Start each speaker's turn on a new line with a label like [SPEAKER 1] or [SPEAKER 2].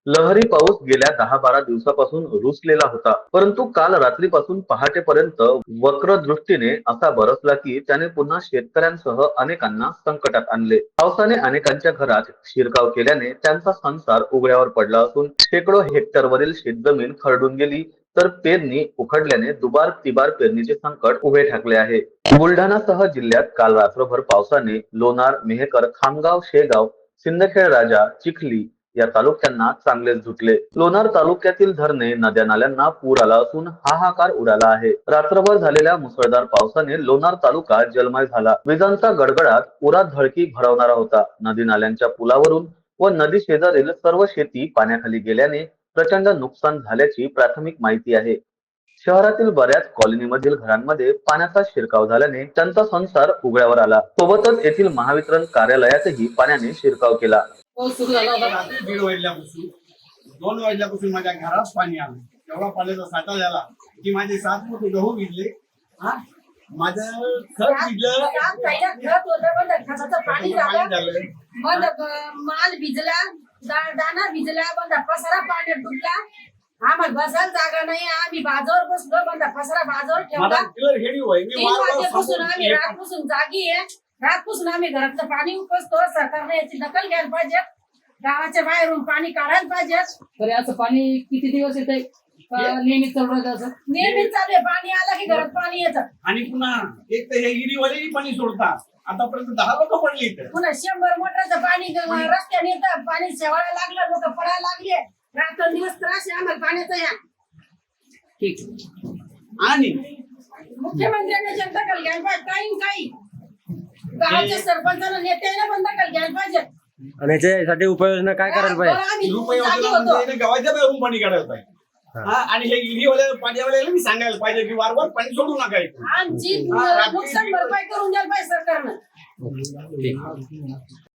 [SPEAKER 1] लहरी पाऊस गेल्या 10-12 दिवसापासून रुसलेला होता, परंतु काल रात्रीपासून पहाटेपर्यंत वक्र दृष्टीने असा बरसला की त्याने पुन्हा शेतकऱ्यांसह अनेकांना संकटात आणले. पावसाने अनेकांच्या घरात शिरकाव केल्याने त्यांचा संसार उघड्यावर पडला असून शेकडो हेक्टरवरील शेतजमीन खरडून गेली, तर पेरणी उखडल्याने दुबार तिबार पेरणीचे संकट उभे ठाकले आहे. बुलढाणासह जिल्ह्यात काल रात्रभर पावसाने लोणार, मेहकर, खामगाव, शेगाव, सिंदखेड राजा, चिखली या तालुक्यांना चांगलेच झुटले. लोणार तालुक्यातील धरणे, नद्या नाल्यांना पूर आला असून हाहाकार उडाला आहे. रात्रभर झालेल्या मुसळधार पावसाने लोणार तालुका जलमय झाला. विजांचा गडगडाट उरात धडकी भरवणारा होता. नदी नाल्यांच्या पुलावरून व नदी शेजारील सर्व शेती पाण्याखाली गेल्याने प्रचंड नुकसान झाल्याची प्राथमिक माहिती आहे. शहरातील बऱ्याच कॉलनीमधील घरांमध्ये पाण्याचा शिरकाव झाल्याने त्यांचा संसार उघड्यावर आला. सोबतच येथील महावितरण कार्यालयातही पाण्याने शिरकाव केला.
[SPEAKER 2] पाऊस सुरू झाला होता रात्री 1:30 वाजल्यापासून 2 वाजल्यापासून माझ्या घरात पाणी आलं. एवढा पाण्याचा साठा झाला की माझे 7 फूट गहू भिजले. माझं खत भिजलं,
[SPEAKER 3] खत होतं, खताचं पाणी झालं, मग माल भिजला, दाणा भिजला, बंदा पसारा पाण्यात डुबला. आम्हाला बसायला जागा नाही, आम्ही बाजावर बसलो, बंदा पसारा बाजावर ठेवला. 3 वाजेपासून आम्ही रातपासून जागी आहे. रातपासून आम्ही घरातलं पाणी उपसतो. सरकारने याची दखल घ्यायला पाहिजे, गावाच्या बाहेरून पाणी काढायला पाहिजे.
[SPEAKER 4] तरी असं पाणी किती दिवस येत आहे? नेहमी चालू राहतं असं?
[SPEAKER 3] नेहमीच चालू आहे. पाणी आलं की घरात पाणी येतं.
[SPEAKER 2] आणि पुन्हा एक तर हे हिरीवालेही पाणी सोडतात. आतापर्यंत 10 लोक पडली इथं.
[SPEAKER 3] पुन्हा 100 मोटरचं पाणी रस्त्याने येतं. पाणी शेवायला लागलं, लोक पडायला लागले. रात्रंदिवस त्रास आहे आम्हाला पाण्याचा. या
[SPEAKER 4] ठीक.
[SPEAKER 2] आणि
[SPEAKER 3] मुख्यमंत्र्यांनी जनता दखल घ्यायला पाहिजे. काही गावाच्या सरपंचाला नेत्याने पण दखल घ्यायला पाहिजे.
[SPEAKER 5] आणि याच्यासाठी उपाययोजना काय करायला पाहिजे?
[SPEAKER 2] गावाच्या बाहेरून पाणी काढायला पाहिजे. आणि हे हिरीवाल्या पाण्यावाल्याला मी सांगायला पाहिजे की वारंवार पाणी सोडू नका.
[SPEAKER 3] आमची नुकसान भरपाई करून द्यायला पाहिजे सरकारनं.